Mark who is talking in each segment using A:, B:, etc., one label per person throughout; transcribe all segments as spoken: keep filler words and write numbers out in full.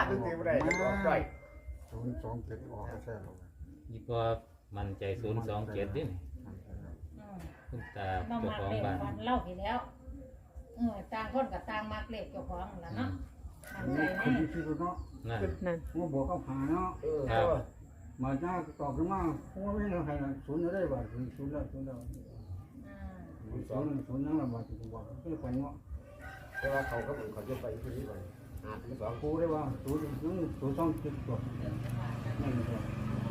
A: ถึงตีไม่ได้ก็ออกได้
B: ศูนย์สองเจ็ดออกก็ใช่หรอก
C: ยี่ปอมันใจศูนย์สองเจ็ดดิคุณตา
D: ต้อง
C: เจ้า
D: มัก
C: ของ
D: เล็ก
C: บ้าน
D: ฟันเล่าไปแล้วเออต่างคนกับต่างมักเล็กเจ้าของแล้วเนาะมันใจ
B: คน
D: แน่
B: ที่คิดว่าเนาะ
C: นั่น
E: นั่น
B: ว่าบอกเขาหาเนาะ
A: เออ
C: ครับ
B: มาจ้าตอบกันมาว่าไม่เราใครศูนย์ได้บ่ศูนย์ศูนย์แล้วศูนย์แล้ว
D: อืม
B: ศูนย์ศูนย์นั่งละบ่ถึงบอกก็เลยไปเนาะ
A: แต่ว่าเขาก็เหมือนเขาจะไปที่นี่ไปหาถึงสอง
B: กูได้ว่าศูนย์ศูนย์ศูนย์สองเจ็ดตัวนั่นเอง
D: สุด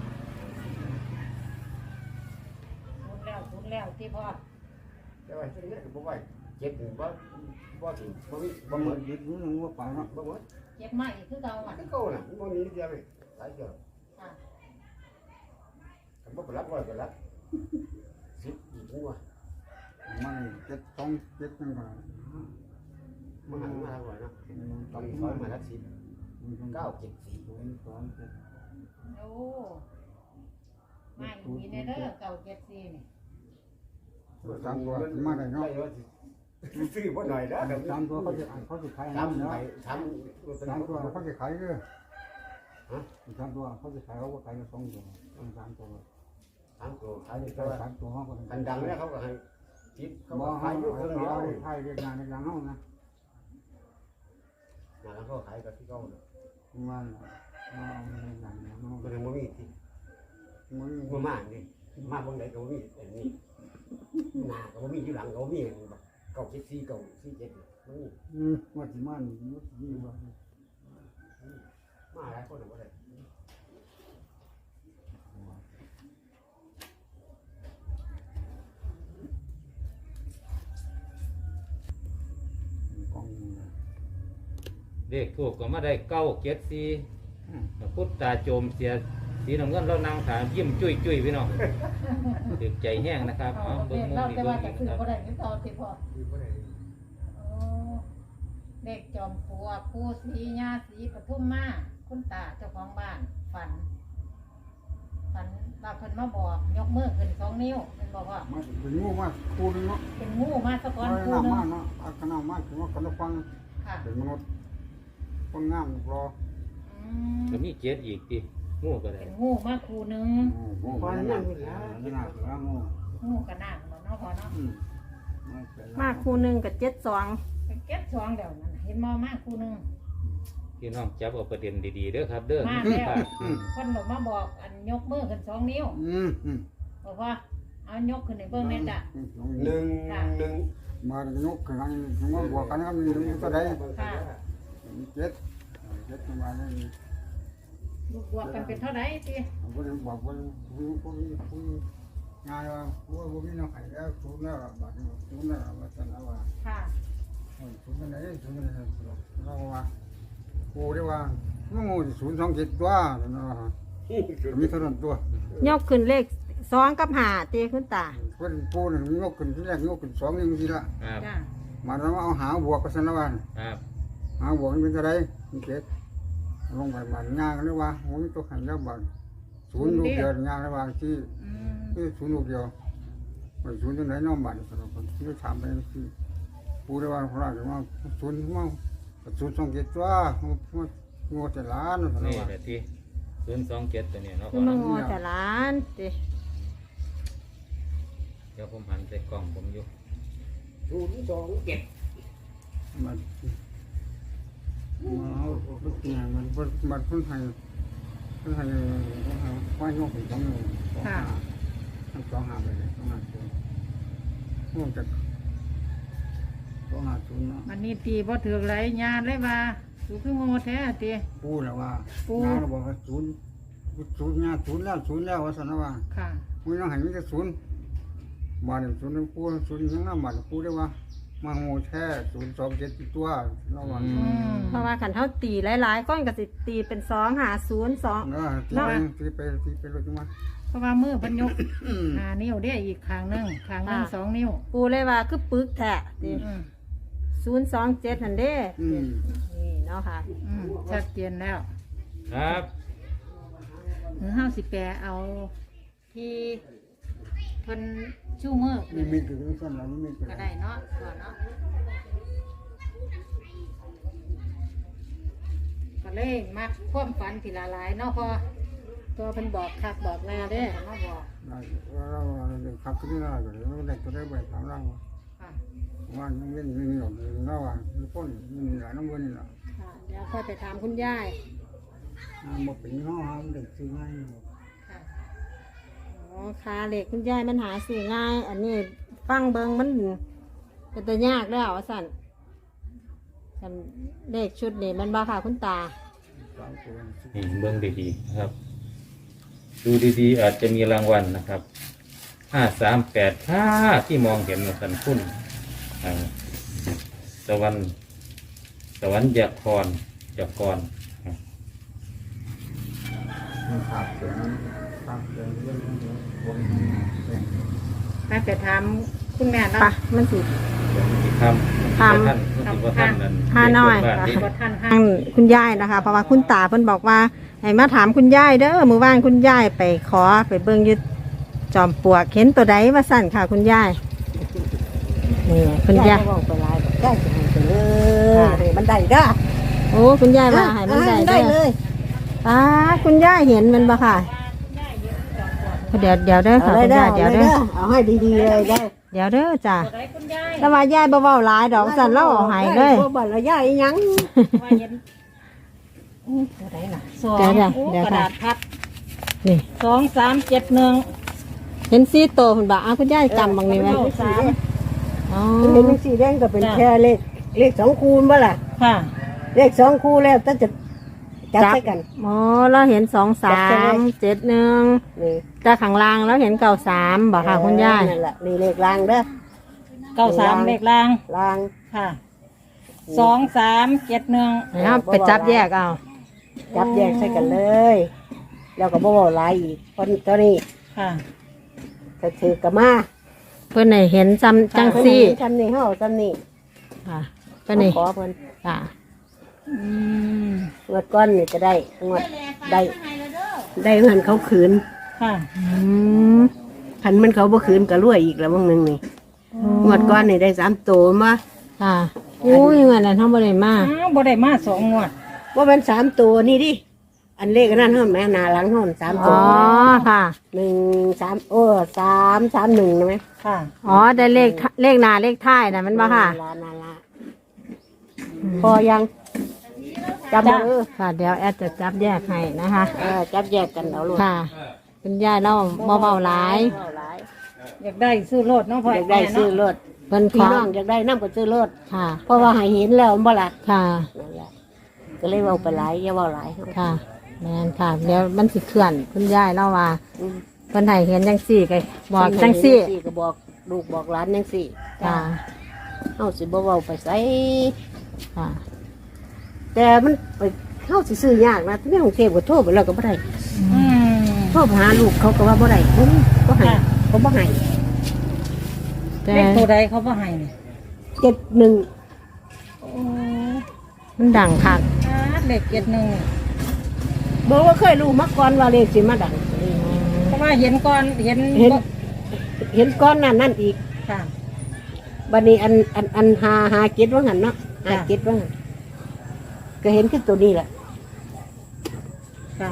D: แล้วสุดแล้วที่พ่อ
A: แต่ว่าที่นี่ก็บอกว่าเจ็บหนึ่งบ่บ่ถึงบ่มี
B: บา
A: บ่
B: ง
A: เหมื
B: วั
A: อน
B: นยึดรู้นึงว่าไปเนาะ
A: บ่เหมือน
D: เจ็บมากอีกคือเก่าอ่ะ
A: ที่เก่าน่ะบ่มีเดียวเลยหลายเดียว
D: ค่ะ
A: ผมบ่ไปรับร้อยไปรับสิบอีกหัว
B: มันเจ็ดสองเจ็ดนั่นก็
A: มันหันมาทางไหนเนาะ
B: ต
A: ต
B: อ
A: อน น
B: นี้
A: นี้
B: เขา
A: เขา
B: มา
A: มา
B: แล้
A: รั
B: ว
A: บสิบ
B: เก้า
A: เก้าเจ็ดสี่
B: ศูนย์สองเจ็ด
D: โอ้ไม่มีในเด้อเก่าเจ็ดสี่นี่
B: สามตัวมาได้เนาะ
A: ซื้อบ่หน่อยนะเดี๋ยว
B: สามตัวเขาจะเขาจะขาย
A: ทำ
B: เนาะ
A: ไปท
B: สาม
A: ำ
B: ตัวเขาจะขายเยอะสามตัวเขาจะขายเขาก็ขายสองตัวสามตัว
A: ทำตัวขายอยู่
B: แต่
A: แต่ว่า
B: สามตัวเขาก็
A: คันดังแล้วเขาก็ให้ทิปเขา
B: บ
A: ก็
B: อก
A: ขายอยู่เครื่องเดียว
B: เขา
A: เลย
B: ขายเรียกงานเรียกงานเขานะ
A: งานเขาขายกับที่เขาเลย
B: มันเอาเรียกงานเขา
A: มันยังไม่มีที่
B: มัน
A: มันมาดิมาบางไหนก็มีแต่นี่หน้าก็มีอยู่หลังก็มีเก้าเจ็ดสี่เก้าสี่เจ็ดมันมี
B: อืมว่าที่มันมันที่ว่า
A: มาหลายคนก็ได้
B: กอง
C: เลขถูกก็มาได้เก้าเจ็ดสี่พุทธตาโจมเสียสีน้ำเงินเรานั่งถามยิ้มจุ้ยจุ้ยพี่น้องตึกใจแห้งนะครับ
D: เอา
C: เอาเบิ้
D: เด็
C: ง
D: ก
C: มุม
D: เรา
C: นี่
D: แต่
C: เบิ้
D: ว่าง จะ
C: นี่
D: คือ
C: ครับ
D: บ่ได้คือเก่าที่พ่อ
A: คือก็ได้
D: โอ้เด็กจอมปลวกผู้สีญาสีปทุมมาคุณตาเจ้าของบ้านฝัน ฝันว่าเพิ่นมาบอกยกมือขึ้นสองนิ้วเพิ่นบอกว่า
B: มันเป็นงูมากคูนึงเนาะ
D: เป็นงูมาสะก้อน
B: มัน
D: คู่
B: น้ำ
D: หนึ
B: มาง เนาะอาคณะมากคือว่าคนฟัง
D: ค่ะ
B: เป็นมนุษย์คนงามรอ
D: อืม
C: ก็มีเจ็ดอีกทีงูก็ได้
D: เป็นงูมาคู่หนึง
B: งูมันนั่งอยู่แล้วนี่น่าคืองู
D: งูกระนาบเนาะเนาะพ่อเนาะ
E: มาคู่หนึ่งกับเจ็ดสอง
D: เป็นเก็บสองเดี๋ยวนั้นน่ะเห็นมอมาคู่หนึง
C: พี่น้องจับเอาประเด็นดีๆเด้อครับ เด้อ
D: มาแล้ว
C: ครับ
D: คนบอกมาบอกอันยกมือขึ้นสองนิ้ว
B: อืมอืม
D: บอกว่าเอายกขึ้นในเบิ้งแม่จ้ะ
A: หนึ่งหนึ่ง
B: มาโยกกันมาบวกกันก็มีก็ได้
D: ค่ะ
B: เจ็ดเจ็ดมาเนี่ย
D: ลูกบวกกันเป็นเท่าไหร่สิ
B: ผมก็บอกว่าคุยคุยคุยงานว่าว่าว่ามีน้องไข่แล้วสูงแล้วบาดนี้สูงแล้วว่าจะเอาว่า
D: ค่ะ
B: สูงกันไหนสูงกันไหนเราว่ากูได้ว่าน้องงูศูนย์สองเจ็ดตัวนะมีเท่านั้นตัวย
E: กขึ้นเลขสองกับหาตีคุณตา
B: เพิ่นปูนี่ยกขึ้นที่แรกยกขึ้นสองนี่มันทีละ
C: ครับ
D: จ้ะ
B: มาแล้วเอาหาบวกกันซะแล้วว่า
C: ครับ
B: หาบวกเป็นอะไรเจ็ดลงไปบ้านงานกันเลยว่าโอ้ยตัวขันแล้วบ้านศูนย์ลูกเดียวงานระหว่างที่
D: อืม
B: ที่ศูนย์ลูกเดียวไปศูนย์ที่ไหนน้องบ้านสำหรับคนที่ถามไปคือปูได้ว่าเขาเรียกว่าศูนย์มั่งศูนย์สองเจ็ดตัวงวดแต่ล้านสำหรับ
C: นี่
B: ว่า
C: แหละที่ศูนย์สองเจ็ดตัวนี้เนาะ
E: คือมังอแต่ล้านตี
C: เดี๋ยวผมหันใส่กล่องผมอยู่
A: ศูนย์สองเจ็ด
B: มันมาเอาลูกเนี่ยมันมันเพิ่งให้เพิ่งให้ควายงอกเป็นสองหนึ่งสองห้าทั้งสองห้าไปเลยสองห้าศูนย์งวดจากสองห้าศูนย์เนาะ
D: มันนี่ตีบ่ถือไรญาณเลยว่าสูคือโง่แท้ตี
B: ปูแล้วว่า
D: ปู
B: งานเราบอกว่าศูนย์ศูนย์งานศูนย์แล้วศูนย์แล้วว่าสันนะว่า
D: ค่ะ
B: มึงต้องให้มีแต่ศูนย์มาเนี่ยศูนย์ปูศูนย์ยังน้ำมันปูได้ว่ามาโง่แท้ศูนย์สองเจ็ดตัวระวัง
D: อืม
E: เพราะว่าขันเท่าตีหลายๆก้อนกับสิตีเป็นสองหาศูนย์สอง
B: เออตีไปตีไปตีไปรถจังหวะ
D: เพราะว่ามือเพันยกหานิ้วได้อีกข้างหนึงข้างหนึงสองนิ้ว
E: ปูเลยว่าคือปึกแท้ตี
D: อืม
E: ศูนย์สองเจ็ดหันเด้
B: อืม
E: นี่เนาะค่ะ
D: อืมชัดเจนแล้ว
C: ครับ
D: หรือห้าสิแปดเอาที่เพิ่นชูมือ
B: มีมีคือสั้นแล้วมีคือ
D: ก็ได้เนาะก่อนเนาะก็เลยมักความฝันทีละหลายเนาะพอ
E: ตัวเพิ่นบอกคักบอกแน่เด้
D: เพิ่นมาบอก
B: ได้เราขับขึ้นได้ก็เลยเราได้ตัวได้ไปถามเรา
D: ค่ะ
B: ว่ายังเว้นยังมีหยดเราอ่ะมีพ้นมีหลายน้ำเงินนี่แหละ
E: ค่ะเดี๋ยวค่อยไปถามคุณยาย
B: หมดเป็นห้องห้องเด็กซื้อง่าย
D: ค่ะ
E: อ๋อขาเหล็กคุณยายมันหาซื้อง่าย อันนี้ฟังเบิงมันเป็นตัวยากแล้วว่าสั่นกันเลขชุดนี้มันบ้าค่ะคุณตา
B: สามตัว
C: นี่เบิ่งดีๆนะครับ ดูดีๆอาจจะมีรางวัลนะครับห้าสามแปดห้าที่มองเห็นนะสันคุณอ่าสวรรค์สวรรค์ยาครยากรอ่า
B: ขาดเสียงขาดเสียงเรื่องวง
D: ไปไปถามคุณแม่
E: ปะ
D: เนาะ
E: มันสิ
C: ที่ทำ
E: ทำ
C: ท่านที่ท่านนั้น
E: ห้าน้อย
C: เด็กเกิดบ้านนี้
D: บ่ทันให้
E: ทางคุณยายนะคะ เพราะว่าคุณตาเพิ่นบอกว่าให้มาถามคุณยายเด้อมือว่านคุณยายไปขอไปเบิ่งอยึดจอมปลวกเห็นตัวใดว่าสั่นค่ะ คุณยายนี่คุณยาย
F: บอกไปหลายบอกได้จะให้ไปเลยให้มันได้เด้อ
E: โอ้คุณยายว่าให้มันได้
F: ได้
E: เด้
F: เล
E: อย ป้าคุณยายเห็นมันบ่ค่ะเดี๋ยวเดี๋ยวเด้อ
F: เอา
E: ค่ะ
F: เลย
E: คุณ
F: เด้อย
E: ายเดี๋ยว
F: เอาเล
E: เด้
F: ย
E: อ
F: เด้อเอาให้ดีๆเลยได้
E: เดี๋ยวเด้อจ้ะ
D: ตัวใดคุณยาย
E: แล้วว่ายายบ่เว้าหลายดอกสั่นเล่าเอาให้เลย
F: บ่บ่ละยายอีหยัง
D: ว่าเห็นตัวใดล่ะสอง
E: เดี๋ยวเดี๋ยว
D: โอ้
E: เดี๋ยว
D: กระ
E: ค่ะ
D: ดาษพับ
E: นี่
D: สองสามเจ็ดหนึ่ง
E: เห็นซีโตเพิ่นบอกอ้าวคุณยายจำบางนี้ไว้
D: เออ
F: สาม
E: อ๋อ
F: มันเห็นเป็นสีแดงก็เป็นแค่เลขเลขสองคูณบ่ล่ะ
D: ค่ะ
F: เลขสองคูแล้วถ้าจะจับใส่กัน
E: อ๋อเราเห็นสองสามเจ็ดหนึ่ง
F: นี่
E: แต่ข้างล่างแล้วเห็นเก่าสามบอกค่ะคุณยาย
F: นั่นแหละนี่เลขรางเด้อ
D: เก้าสามเลขล่าง
F: ราง
D: ค่ะสองสามเจ็ดหนึ่ง
E: นะครับไปจับแยกเอา
F: จับแยกใส่กันเลย แล้วก็บ่เว้าหลายอีกคนตัวนี้
D: ค่ะ
F: ก็ถือกะมา
E: เพื่อนให้เห็นจำจังซี่
F: ทำนี่เฮาทำนี่
E: ค่ะเพื่อนให้
F: ขอเพิ่น
E: ค่ะ
D: อืม
F: งวดก้อนนี่ก็ได้งวดได้ได้เงินเขาขืน
D: ค่ะ
E: อืม
F: คันมันเขาบ่ขืนก็รวยอีกแล้วบางหนึงนี่งวดก้อนนี่ได้สามตัวมา
E: ค่ะอุ้ยเงินนั้นทั้งบริมา
D: อ้าวบ่ได้มาสองงวด
F: ว่าเป็นสามตัวนี่ดิอันเลขอันนั้นเฮาแม่หน้าหลังเฮาสามตั
E: อ๋
F: ว
E: อค่ะ
F: หนึ่งสามโอ้สามสามหนึ่งนะไหม
D: ค่ะ
E: อ๋อได้เลขเลขหนาเลขท้ายนะมันบ่ค่ะ
F: ลานาลาพอยังจับมาเออ
E: ค่ะ เดี๋ยวแอดจะจับแยกให้นะคะ
F: เออจับแยกกันเอาลูก
E: ค่ะคุณยายเล่าบ่เบาหลาย
F: เว้าหลาย
D: อยากได้ซื้อรถเนาะพ่อ
F: อยากได้ซื้อรถ
E: เพิ่นข
F: พี่
E: อ
F: น้องอยากได้น้ำก็ซื้อรถ
E: ค่ะ
F: เพราะว่าให้เห็นแล้วบ่ล่ะ
E: ค่ะ
F: นั่นแหละก็เลยเว้าไปหลายอย่าเว้าหลายเฮา
E: ค่ะแม่นค่ะเดี๋ยวมันสิเคลื่อนคุณยายเล่าว่า
F: อืม
E: เพิ่นให้เห็นจังซี่ก็บอกจังซี่
F: ก็บอกลูกบอกหลานจังซี่
E: ค่ะ
F: เฮาสิบ่เว้าไปไส
E: ค่ะ
F: แต่มันไปเฮาสิซื้อยากนะที่ในกรุงเทพก็โทรไปแล้วก็บ่ได้
D: อืม
F: โทรไปหาลูกเขาก็ว่าบ่ได้บ่มีบ่ให้เขาบ่ให้
E: แต่
D: เลขตัวใดเขาบ่ให้เนี่ย
F: เจ็ดหนึ่ง
E: มันดังคัก
D: อ่าเลขเจ็ดหนึ่ง
F: บอกว่าเคยรู้มาก่อนว่าเลขสิมาดัง
D: เพราะว่าเห็นก่อนเห็น
F: เห็น เห็นก้อนนั่นนั่นอีก
D: ค่ะ
F: บัดนี้อันอันอันหาหาเก็ดว่างั้นเนาะหา
D: ค่ะ
F: เก็ดว่างั้นก็เห็นขึ้นตัวนี้แหละ
D: ค่ะ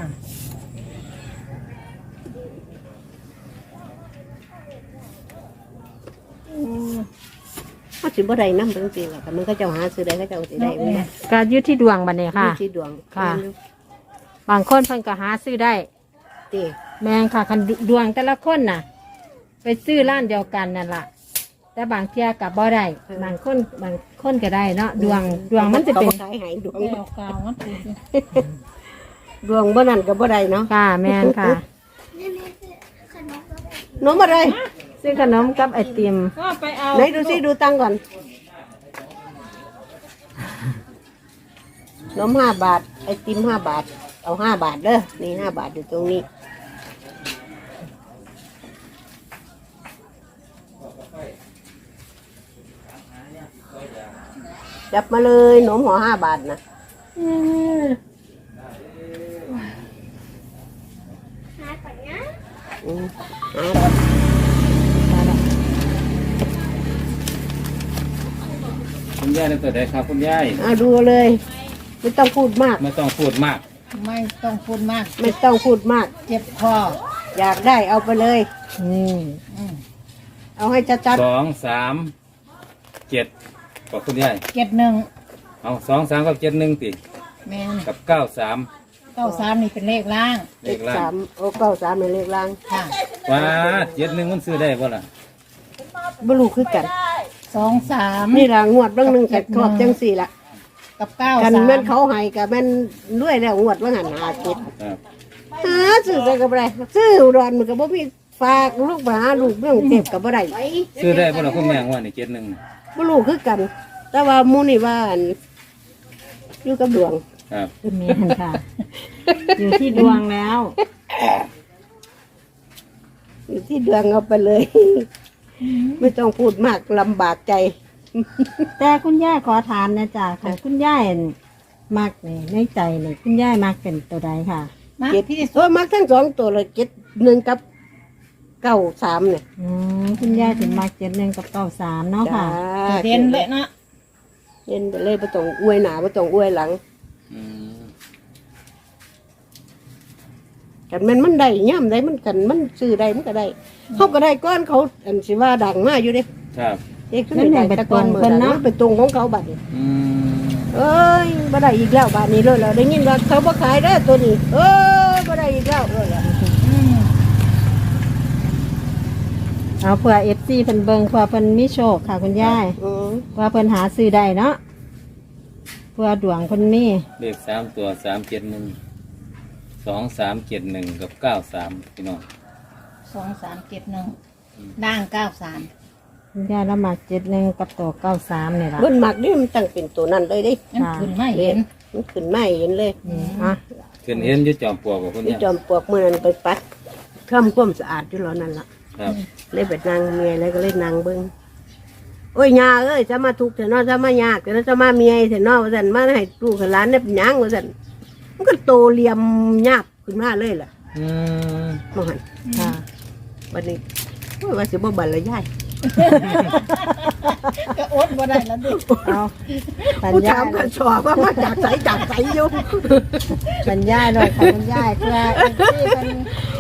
F: เขาสิบ่ได้นำจังซี่ล่ะแต่มันก็เจ้าหาซื้อได้ก็เจ้าสิได้ไม่ได้
E: ก็อยู่ที่ดวงบัดนี้ค่ะ
F: มีที่ดวง
E: ค่ะ บางคนเพิ่นก็หาซื้อได้
F: ติ
E: แม่งค่ะคันดวงแต่ละคนน่ะ ไปซื้อร้านเดียวกันนั่นล่ะ แต่บางเที่ยกับบ่ได้บางคนบางคนก็ได้เนาะดวงดวงมันจะเป็น
F: ขาบ่ขายให้ดวง
D: แก้วกาวมันเป็นสิ
F: ดวงบ่นั่นก็บ่ได้เนาะ
E: ค่ะแม่นค่ะ
F: น้องอะไร
E: ซื้อขนมกับไอติม
D: ก็ไปเอา
F: ไหนดูซิดูตังค์ก่อนนมห้าบาทไอติมห้าบาท เอาห้าบาทเด้อนี่ห้าบาทอยู่ตรงนี้จับมาเลยหนมหัวห้าบาทนะอืมหา
C: คุณยายนั่นตัวใดครับคุณยาย
F: อ่ะดูเลยไม่ต้องพูดมาก
C: ไม่ต้องพูดมาก
D: ไม่ต้องพูดมาก
F: ไม่ต้องพูดมาก
D: เจ็บคอ
F: อยากได้เอาไปเลย
E: อืม
D: อืม
F: เอาให้ชัด
C: สองสามเจ็ดบอกคุณยาย
D: เจ็ดหนึ่ง
C: เอาสองสามกับเจ็ดหนึ่งติ
D: แม่น
C: กับเก้าสาม
D: เก้าสามนี่เป็นเลขล่าง
F: ๆ
C: เลขล่า
F: สาง มโอ้เก้าสามเป็นเลขล่าง
D: ค่ะ
C: ว้าเจ็ดหนึ่งมันซื้อได้ป่ะล่ะ
F: บลูคือกัน
D: สองสาม
F: นี่ละงวดเรื่องหนึ่งกับครอบจังสี่ละ
D: กับเก้า
F: กัน
D: สาม
F: แม่นเขาให้กับแม่นรวยแล้วงวดว่าหันหาเจ็ด
C: ครับ
F: หาซื้อใส่กับอะไรซื้ออุดรมันกับบ่มีฝากลูกมาหาลูกเรื่องเก็บกับบ่ได้
C: ซื้อได้ป่ะล่ะคุณแม่ว่านี่เจ็ดหนึ่ง
F: บลูคือกัน แต่ว่าหมูนี่ว่าอันอยู่กับดวง
C: ครับ
E: แม่นค่ะ อยู่ที่ดวงแล้ว
F: อยู่ที่ดวงเอาไปเลย ไม่ต้องพูดมากลำบากใจ
E: แต่คุณย่าขอถามนะจ๊ะของคุณย่าอั่นมักนี่ในใจนี่คุณย่ามักเป็นตัวใดค่ะ
D: มา
F: เจ็ด
D: ที่
F: โอ้มักทั้งสองตัวเลยเจ็ดหนึ่งกับเก้าสามเนี่ย
E: อืมคุณย่าถึงมักเจ็ดหนึ่งกับเก้าสามเนาะค่ะ
F: จ้า
D: เด่นเลยเนาะ
F: เด่นไปเลยประตองอวยหนาประตองอวยหลัง
C: อืม
F: กันแมันมันได้ย่ำได้มันกันมันซื้อได้มันก็ได้เขาก็ได้ก้อนเขาอันสิว่าดังมากอยู่เด้
C: ครับ
F: เด็กขึ้นไปได้แต่ก้อนเหมือนนะไปตรงของเขาบัดนี้
C: อืม
F: เอ้ยบ่ได้อีกแล้วบัดนี้เลยแล้วได้ยินว่าเขาบ่ขายได้อตัวนี้เอ้ยบ่ได้อีกแล้วเลยล่ะ
D: อืม
E: เอาเพื่อเอฟซีเพิ่นเบิงเพื่อเพิ่นมีโชคค่ะคุณย่า
F: อืม
E: เพื่อเพิ่นหาซื้อได้เนาะเพื่อดวงเพิ่นมี
C: เลขสามตัวสามเจ็ดหนึ่งสองสามเจ็ดหนึ่งกับเก้าสามพี่น้อง
D: สองสามเจ็ดหนึ่งด่างเก้าสาม
E: คุณย่าละมักเจ็ดหนึ่งกับตัวเก้าสามนี่ล่ะ
F: เบิ่นมักนี่มันตั้งเป็นตัวนั้นเลยเดิ
D: นั่นขึ้นไม่เห็น
F: มันขึ้นไม่เห็นเลย
E: อ่ะ
C: ขึ้นเห็นอยุจอมปลวกบอกคุณ
F: ที่
C: ยาย
F: จอมปลวกมื้อนั้นไปปัดทำความสะอาดอยู่แล้วนั่นล่ะ
C: ครับ
F: เลยไปนั่งเมียแล้วก็เลยนั่งเบิ้งโอ้ยยาเอ้ยจะมาทุกข์เถอะเนาะจะมายากเถอะเนาะจะมาเมียเถอะเนาะว่าสันมาให้ลูกให้หลานเนี่ยเป็นหยังว่าสันมันก็โตเหลี่ยมหยาบขึ้นมาเลยล่ะ
C: อืม
F: มองหัน
E: ค่ะ
F: วันนี้โอ้ยว่าสิบ่บันละยาย
D: ก็อดบ่ได้แล้วดิ
E: เอาปัญ
F: ผู้
E: ญา
F: ถามกันสอบว่ามาจากใสจากใสอยู่
E: ปัญญาหน่อยค่ะคุณย่าเพื่อเอฟซีเพิ่น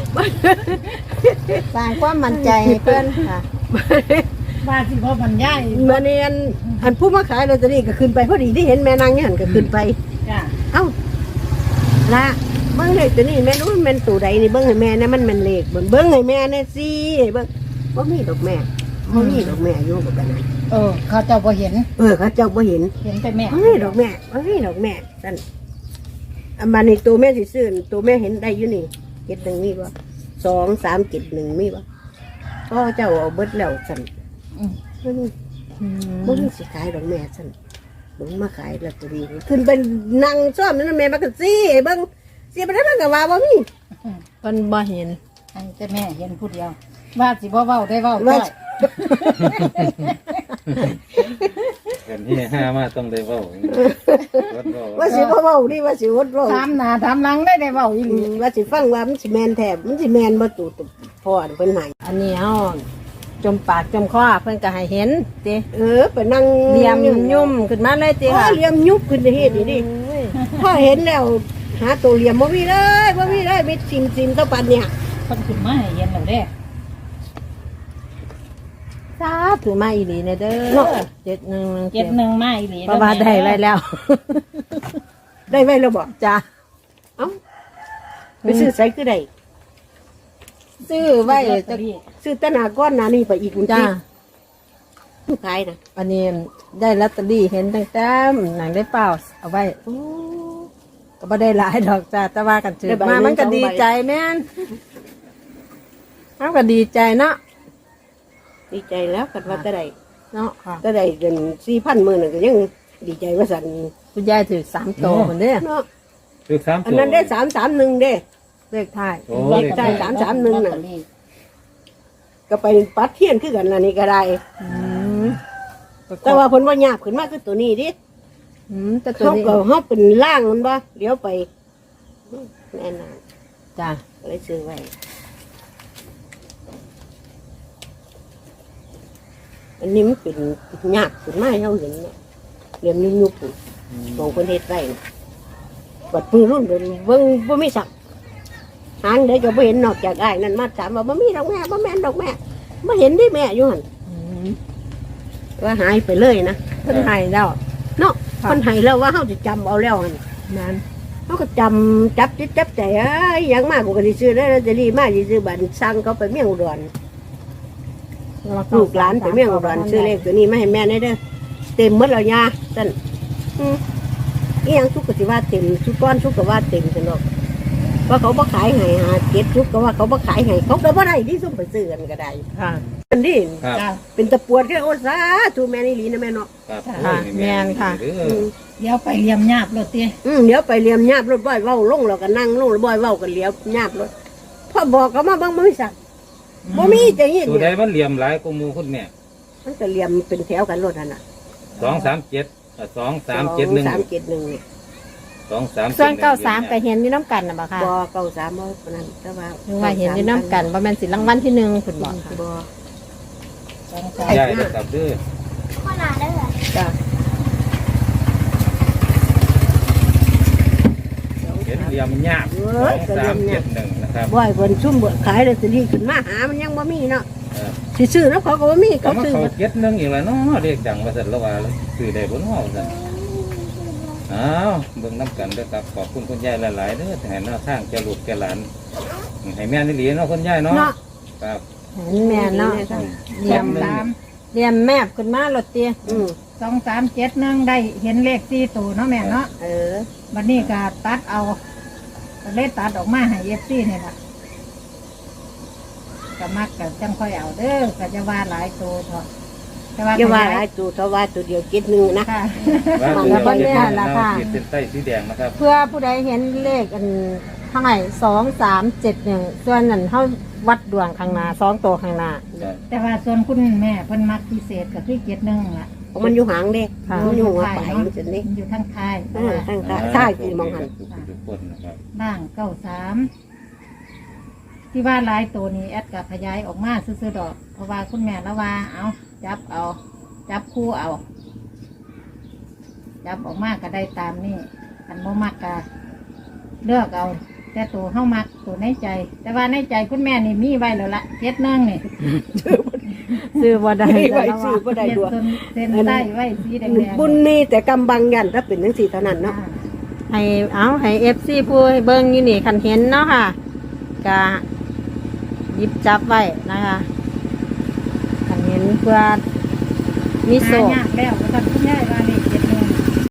E: สร้างความมั่นใจให้เพิ่นค่ะ
D: บ้านที่พ่อบรรยาย
F: มาเนียนอันผู้มาขายลอตเตอรี่ก็ขึ้นไปพอดีที่เห็นแม่นางเนี่ยหันก็ขึ้นไป
D: จ้ะ
F: เอ้าละเบิ้งเลขตัวนี้แม่รู้มันเป็นตัวใดนี่เบิ้งให้แม่เนี่ยมันเป็นเลขเบิ้งเบิ้งให้แม่เนี่ยสิเบิ้งว่ามีดอกแม่ว่ามีดอกแม่อยู่กับกันนะ
D: เออ เขาเจ้าบ่เห็น
F: เออเขาเจ้าบ่เห็น
D: เห็นแต่แม่
F: ว่ามีดอกแม่ว่ามีดอกแม่นั่นอันมานี่ตัวแม่สิซื้อตัวแม่เห็นได้อยู่นี่เจ็ดหนึ่งมีบ่สองสามเจ็ดหนึ่งมีบ่พ่อเจ้าเอาเบิดแล้วสั่น
D: อืม
F: มัน
E: อืม
F: บ่มีสิขายดอกแม่สั่นเบิ้งมาขายลอตเตอรี่ขึ้นเป็นนางซ่อมนั่นนะแม่มาก็สิเบิ้งสิไปได้มันก็ว่าบ่มี
E: เพิ่นบ่เห็น
D: ให้แต่แม่เห็นผู้เดียวว่าสิบ่เว้าได้เว้า
F: ว่า
D: ด้วย
C: เห็นที่ห้ามาต้องได้เว้าวัดเว้า
F: ว่าสิบ่เว้าดิว่าสิวดเว้า
D: ถามหน้าถามหลังได้ได้เว้าอีห
F: อื
D: ลี
F: มว่าสิฟังว่ามันสิแม่นแท้มันสิแม่นบ่ตู่ตุพ่อเพิ่นให้
E: อันนี้เอาจมปากจมคอเพิ่นก็ให้เห็นติ
F: เออไปนั่ง
E: เหลี่ยมยุ่มขึ้นมาเลยติ
F: พ่อ
E: ค่ะ
F: เหลี่ยมยุบขึ้นจะเฮ็ดนี่ดิ
E: โอ้ย
F: พ่อเห็นแล้วหาตัวเหลี่ยมบ่มีเลยบ่มีเลยมีซิมซิมๆเท่าปันเนี่ย
D: เพิ่นขึ้นมาให้เห็นแล้วเด้
E: สาธุมาอีหลีเนเด้อเจ็ดหนึ่ง
D: เจ็ดหนึ่งมาอีหลี
E: เพราะว่าได้ไว้แล้ว
F: ได้ไว้แล้วบ่
E: จ้ะ
F: เอ้าไปซื้อใส่คือได้
E: ซื้อไว้
D: จะ
E: จะ
F: ซื้อแตหนาก้อนหน้านี่ไปอีกคุณ
E: จ้า
F: ติผู้ขายน่ะ
E: อันนี้ได้ลอตเตอรี่เห็นตั้งแต่หนังได้เปล่าเอาไว้
F: โอ้
E: ก็ไม่ได้หลายดอกจ้าแต่ว่ากันถือมามันก็ดีใจแม่นมันก็ดีใจเนาะ
F: ดีใจแล้วกันว่าแต่ได้
E: เนาะค่ะ
F: แต่ได้เดือนสี่พันหมื่นน่ะก็ยังดีใจว่าสั่น
E: คุณยายถือสามโตคนเด้อ
F: เนาะ
C: คือสาม
F: อัน
C: ตัว
F: นั้นได้สามสามหนึ่งเด้
E: เลขท้าย
C: โอ้
F: เล
C: เล
F: ข
C: ข
F: ใต้
C: ท้าย
F: สามสามหนึ่งน่ะ ก็ไปปัดเทียนคือกันล่ะนี่ก็ได้
E: อืม
F: แต่ว่าเพิ่นว่าหยาบขึ้นมากคือตัวนี้ดิ
E: อืมแต่ตัว
F: เขา
E: นี้
F: ก็เฮาเป็นล่างมันบ่เดี๋ยวไปแน่นอน
E: จ้า
F: ก็เลยซื้อไว้อันนี้มันเป็นหยาบขึ้นมาให้เฮาเห็นเนี่ยเรียมยุบๆของคนเฮ็ดไว้น่ะบัดปืนรุ่นเบิ่งเบิ่งบ่มีสักหางได้ก็บ่เห็นนอกจากอ้ายนั่นมาถามว่าบ่มีดอกแม่บ่แม่นดอกแม่บ่เห็นดิแม่อยู่หั่น
E: อืม
F: ว่าหายไปเลยนะ
E: เพิ่นให้แล้ว
F: เนาะ
E: ค่ะ
F: คนให้แล้วว่าเฮาสิจำเอาแล้วหั่น
E: นั้น
F: เฮาก็จำจับจิตจับใจเอ้ยหยังมากกูก็สิซื้อได้ลอตเตอรี่มาสิซื้อบัตรสั่งเขาไปเมียงอุดรลูกหลานไปเมียงอุดรซื้อเลขตัวนี้มาให้แม่ได้เด้อเต็มหมดแล้วยาซั่นอืออีหยังสุกก็สิว่าเต็มสุกก้อนสุกก็ว่าเต็มซั่นดอกว่าเขาบ่ขายให้หาเก็บสุกก็ว่าเขาบ่ขายให้เขาก็บ่ได้ที่ซุ่มไปซื้อกันก็ได้
E: ค่ะ
F: อันนี้
C: ครับ
D: จ้ะ
F: เป็นตะปวดแค่โอ้สาธุแม่นี่หลีนะแม่เนาะ
C: ครับ
E: ค่ะแม่นค่ะ
C: เด้
F: อื
C: อ
F: ม
D: เดี๋ยวไปเลียมหยาบรถเตี้ย
F: อืมเดี๋ยวไปเรียมญาบรถบ่อยเว้าลงแล้วก็นั่งลงแล้วบ่อยเว้ากันเลี้ยวญาบรถพ่อบอกก็มาเบางบ่มีสักบ่มีจะเห็น
C: ตัวใด
F: เนี่ย
C: มันเหลี่ยมหลายกว่าหมู่คุณแม่
F: มันก็เรียมเป็นแถวกันรถนั่นน่ะ
C: สองสามเจ็ดสองสามเจ็ดหนึ่ง
F: สามเจ็ดหนึ่งเนี่ย
C: สองสาม
E: ส่วนเก้าสามก็เห็นอยู่น้ำกันน่ะบ่ค่ะ
F: บ่เก้าสามบ่ปานนั้นแต่ว่า
E: หรือว่าเห็นอยู่น้ำกันว่าแม่นสิรางวัลที่หนึ่งคุณบอกค่ะ
F: บ่
D: สองสาม
C: ใหญ่เลยครับเด้อ
F: จ้ะ
C: เห็นเหลี่ยมยากสองสามเจ็ดหนึ่งนะครับ
F: บ่อยเพิ่นซุ่มเบิดขายลอตเตอรี่ขึ้นมาหามันยังบ่มีเนาะ
C: เออ
F: สิซื้อแล้วเขาก็บ่มี
C: ก็
F: เขา
C: มา
F: ซื้อ
C: เขา
F: หมด
C: เจ็ดหนึ่งอีกแล้วเนาะเรียกดังว่าสันละว่าซื้อได้บนห้องสันอ้าวเบิ่งน้ำกันเด้อครับขอบคุณคุณยายหลายๆเด้อให้หน้าทางแกลูกแกหลานให้แม่นี่หลีเนาะคุณยายเนาะ
F: เนาะ
C: ครับ
E: เห็นแม่เนาะ
C: เยี่ยมหนึ่ง
D: สาม
E: เรียมแมบขึ้นมารถเตี้ย
F: อืม
D: สองสามเจ็ดหนึ่งได้เห็นเลขสี่ตัวเนาะแม่เนาะ
F: เออ
D: บัดนี้ก็ตัดเอาก็เลยตัดออกมาให้เอฟซีนี่แหละก็มักก็จังค่อยเอาเด้อก็จะว่าหลายตัวเถอะแต่ว่า
F: อย่าว่าหลายตัวเท่าว่าตัวเดียวเจ็ดหนึ่งนะ
D: ค่ะ
C: ว่า
E: มัน
C: ตัว
E: ก็
C: เจ็ด
E: แน่
C: หนึ่ง
E: ละ
C: เนาะ
E: ค่ะ
C: ขีดเส้นใต้สีแดงนะครับ
E: เพื่อผู้ใดเห็นเลขอันเท่าไหร่สองสามเจ็ดหนึ่งส่วนนั้นเท่าวัดดวงข้างหน้าสองตัวข้างหน้า
D: แต่ว่าส่วนคุณแม่เพิ่นมักพิเศษก็คือเจ็ดหนึ่งล่ะ
F: เพราะมันอยู่หางเด้
E: ค่ะ
F: มันอยู่หัวปลายมันสินี่
D: มันอยู่ทั้งท้าย
F: เออทางซ้ายซ้ายสิมองหัน
C: ทุกทุกคนนะครับ
D: บ้างเก้าสามที่ว่าหลายตัวนี้แอดกับขยายออกมาซื้อๆดอก เพราะว่าคุณแม่ละว่าเอาจับเอา จับคู่เอา จับออกมาก็ได้ตามนี่อันโมมักก็เลือกเอา แต่ตัวเข้ามักตัวในใจ แต่ว่าในใจคุณแม่นี่มีไว้แล้วละเจ็ดนึ่งนี่
E: ซื้อบ่ได้
F: ไม่ไหว
E: แล้ว
F: ซื้อ
E: ว่า
F: บ่ได้
D: เจ็ด
F: ด้วย
D: เส้นเส้นใต้ไว้สีแดงๆ
F: บุญมีแต่กำบังยันถ้าเป็นทั้งสี่เท่านั้นเนาะ
D: อ่า
E: ให้เอาให้เอฟซีผู้ให้เบิ้งอยู่นี่คันเห็นเนาะค่ะก็หยิบจับไว้นะคะคันเห็นเพื่อมีโศ
D: หาก ยากแล้วก็ต้องคุณยายว่าเลขเจ็ด